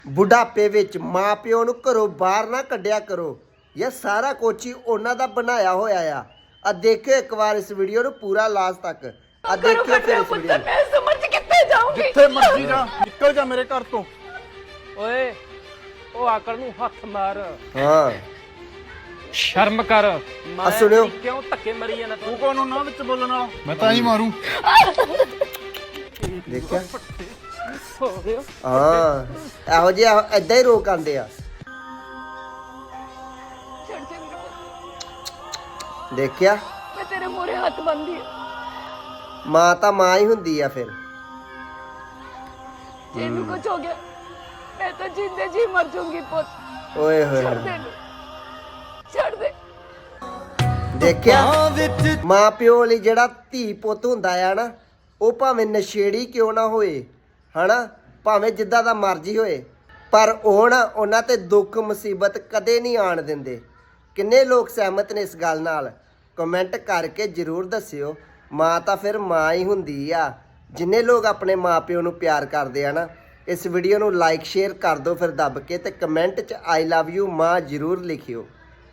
ਬੁਢਾਪੇ ਵਿੱਚ ਮਾਂ ਪਿਓ ਨੂੰ ਘਰੋਂ ਬਾਹਰ ਨਾ ਕੱਢਿਆ ਕਰੋ। ਇਹ ਸਾਰਾ ਕੁਛ ਹੀ ਉਹਨਾਂ ਦਾ ਬਣਾਇਆ ਹੋਇਆ ਆ ਦੇਖਿਓ ਇੱਕ ਵਾਰ ਇਸ ਵੀਡੀਓ ਨੂੰ ਪੂਰਾ ਲਾਸਟ ਤੱਕ। ਦੇਖਿਓ ਫਿਰ ਇਸ ਵੀਡੀਓ ਨੂੰ। ਮੈਂ ਸਮਝ ਕਿੱਥੇ ਜਾਊਂਗੀ? ਜਿੱਥੇ ਮਰਜ਼ੀ ਜਾ, ਨਿਕਲ ਜਾ ਮੇਰੇ ਘਰ ਤੋਂ। ਓਏ ਉਹ ਆਕੜ ਨੂੰ ਹੱਥ ਮਾਰ, ਹਾਂ ਸ਼ਰਮ ਕਰ। ਆ ਸੁਣਿਓ, ਕਿਉਂ ਧੱਕੇ ਮਰੀ ਜਾਂਦਾ ਤੂੰ ਕੌਣ ਉਹਨਾਂ ਵਿੱਚ ਬੋਲਣ ਵਾਲਾ? ਮੈਂ ਤਾਂ ਹੀ ਮਾਰੂ। ਦੇਖਿਆ ਹੋ ਗਿਆ। ਹਾਂ ਇਹੋ ਜਿਹੇ ਏਦਾਂ ਹੀ ਰੋਕ ਆਂਦੇ ਆ। ਛੱਡ ਦੇ ਮੇਰੇ ਪੁੱਤ, ਦੇਖਿਆ ਮੈਂ ਤੇਰੇ ਮੂਹਰੇ ਹੱਥ ਬੰਨ੍ਹਦੀ ਹਾਂ। ਮਾਂ ਤਾਂ ਮਾਂ ਹੀ ਹੁੰਦੀ ਆ ਫਿਰ। ਜੇ ਇਹਨੂੰ ਕੁਝ ਹੋ ਗਿਆ ਮੈਂ ਤਾਂ ਜਿੰਦੇ ਜੀ ਮਰ ਜਾਊਂਗੀ ਪੁੱਤ। ਓਏ ਹੋਏ ਛੱਡ ਦੇ ਇਹਨੂੰ, ਛੱਡ ਦੇ। ਦੇਖਿਆ ਮਾਂ ਪਿਓ ਲਈ ਜਿਹੜਾ ਧੀ ਪੁੱਤ ਹੁੰਦਾ ਆ ਨਾ, ਉਹ ਭਾਵੇਂ ਨਸ਼ੇੜੀ ਕਿਉਂ ਨਾ ਹੋਏ ਹਨਾ, ਭਾਵੇਂ ਜਿੱਦਾਂ ਦਾ ਮਰਜ਼ੀ ਹੋਏ, ਪਰ ਉਹ ਨਾ ਉਹਨਾਂ ਤੇ ਦੁੱਖ ਮੁਸੀਬਤ ਕਦੇ ਨਹੀਂ ਆਣ ਦਿੰਦੇ। ਕਿੰਨੇ ਲੋਕ ਸਹਿਮਤ ਨੇ ਇਸ ਗੱਲ ਨਾਲ? ਕਮੈਂਟ ਕਰਕੇ ਜ਼ਰੂਰ ਦੱਸਿਓ। ਮਾਂ ਤਾਂ ਫਿਰ ਮਾਂ ਹੀ ਹੁੰਦੀ ਆ। ਜਿੰਨੇ ਲੋਕ ਆਪਣੇ ਮਾਂ ਪਿਓ ਨੂੰ ਪਿਆਰ ਕਰਦੇ ਆ ਨਾ, ਇਸ ਵੀਡੀਓ ਨੂੰ ਲਾਈਕ ਸ਼ੇਅਰ ਕਰ ਦਿਓ ਫਿਰ ਦੱਬ ਕੇ, ਤੇ ਕਮੈਂਟ 'ਚ ਆਈ ਲਵ ਯੂ ਮਾਂ ਜ਼ਰੂਰ ਲਿਖਿਓ।